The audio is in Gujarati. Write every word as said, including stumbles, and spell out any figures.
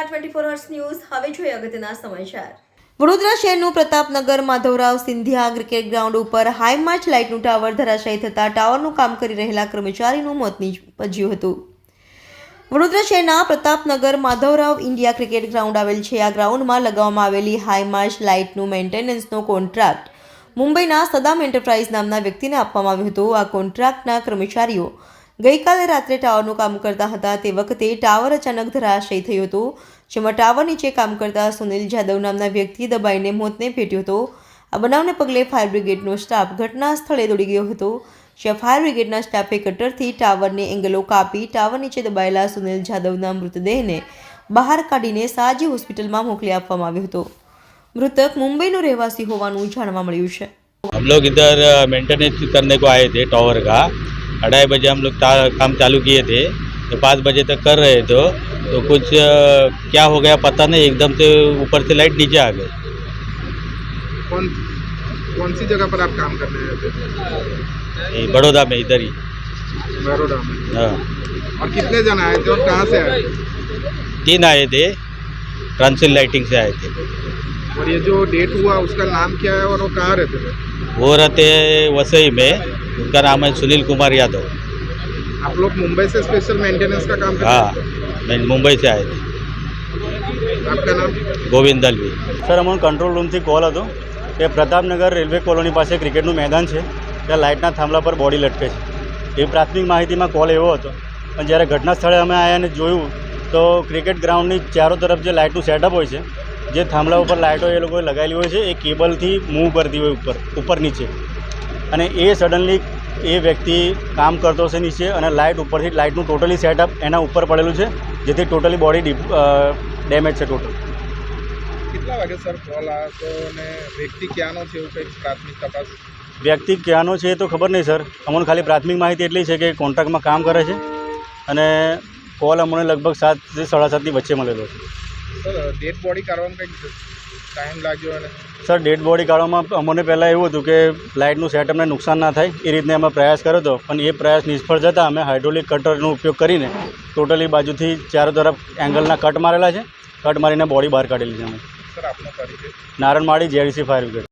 નમસ્કાર ટ્વેન્ટી ફોર અવર્સ ન્યૂઝ હવે જોઈએ અગત્યના સમાચાર। વડોદરા શહેરનું પ્રતાપનગર માધવરાવ સિંધિયા ક્રિકેટ ગ્રાઉન્ડ ઉપર હાઈમાર્ચ લાઇટનું ટાવર ધરાશાયી થતા ટાવરનું કામ કરી રહેલા કર્મચારીનું મોત નીપજ્યું હતું। વડોદરા શહેરના Pratapnagar Madhavrao India cricket ground આવેલ છે। આ ગ્રાઉન્ડમાં લગાવવામાં આવેલી હાઈમાર્ચ લાઇટનું મેન્ટેનન્સનો કોન્ટ્રાક્ટ મુંબઈના સદામ એન્ટરપ્રાઇઝ નામના વ્યક્તિને આપવામાં આવ્યો હતો। આ કોન્ટ્રાક્ટના કર્મચારીઓ ગઈકાલે રાત્રે ટાવરનું કામ કરતા હતા તે વખતે ટાવર અચાનક ધરાશાયી થયો હતો, જેમાં ટાવર નીચે કામ કરતા સુનિલ જાદવ નામના વ્યક્તિ દબાઈને મોતને ભેટ્યો હતો। આ બનાવને પગલે ફાયર બ્રિગેડનો સ્ટાફ ઘટના સ્થળે દોડી ગયો હતો, જ્યાં ફાયર બ્રિગેડના સ્ટાફે કટરથી ટાવરને એંગલો કાપી ટાવર નીચે દબાયેલા સુનિલ જાદવના મૃતદેહને બહાર કાઢીને સાજી હોસ્પિટલમાં મોકલી આપવામાં આવ્યો હતો। मृतक मुंबई नो रहवासी होवानुं जाणवा मळ्युं छे। हम लोग इधर मेंटेनेंस करने को आए थे टावर का। अढ़ाई बजे हम लोग काम चालू किए थे तो पाँच बजे तक कर रहे थे, तो कुछ क्या हो गया पता नहीं, एकदम से ऊपर से लाइट नीचे आ गई। कौन कौन सी जगह पर आप काम कर रहे थे? बड़ौदा में, इधर ही बड़ौदा में। हाँ। और कितने जन आए थे और कहाँ से आए थे? तीन आए थे, ट्रांसिल लाइटिंग से आए थे। और ये जो डेट हुआ उसका नाम क्या है और वो कहाँ रहते थे? वो रहते वसई में, उनका नाम है सुनील कुमार यादव। आप लोग मुंबई से स्पेशल मेंटेनेंस का काम करते हाँ, मैं मुंबई से आए थे। आपका नाम? गोविंद दलवी। सर अमने कंट्रोल रूम थी कॉल हतो કે પ્રતાપનગર રેલવે કોલોની પાસે ક્રિકેટનું મેદાન છે, ત્યાં લાઇટના થાંભલા પર બોડી લટકે છે। એ પ્રાથમિક માહિતીમાં કોલ એવો હતો, પણ જ્યારે ઘટના સ્થળે અમે આવ્યા અને જોયું તો ક્રિકેટ ગ્રાઉન્ડની ચારો તરફ જે લાઇટનું સેટઅપ હોય છે, જે થાંભલા ઉપર લાઇટો એ લોકોએ લગાવેલી હોય છે, એ કેબલથી મૂવ કરતી હોય ઉપર ઉપર નીચે, અને એ સડનલી એ વ્યક્તિ કામ કરતો હશે નીચે અને લાઇટ ઉપરથી લાઇટનું ટોટલી સેટઅપ એના ઉપર પડેલું છે, જેથી ટોટલી બોડી ડેમેજ છે ટોટલ। કેટલા વાગે સર કોલ આવ્યો તો ને વ્યક્તિ ક્યાંનો છે એવું કંઈક પ્રાથમિક તપાસ? વ્યક્તિ ક્યાંનો છે એ તો ખબર નહીં સર, અમને ખાલી પ્રાથમિક માહિતી એટલી છે કે કોન્ટ્રાક્ટમાં કામ કરે છે, અને કોલ અમને લગભગ સાતથી સાડા સાતની વચ્ચે મળેલો છે। સર ડેડ બોડી કાઢવામાં કંઈક ટાઈમ લાગ્યો અને સર ડેડ બોડી કાઢવામાં અમને પહેલાં એવું હતું કે લાઇટનું સેટઅપને નુકસાન ના થાય એ રીતને અમે પ્રયાસ કર્યો હતો, પણ એ પ્રયાસ નિષ્ફળ જતાં અમે હાઇડ્રોલિક કટરનો ઉપયોગ કરીને ટોટલી બાજુથી ચારો તરફ એંગલના કટ મારેલા છે, કટ મારીને બોડી બહાર કાઢેલી છે અમે। સર આપનો પરિચય? Naranmali JDC fire brigade.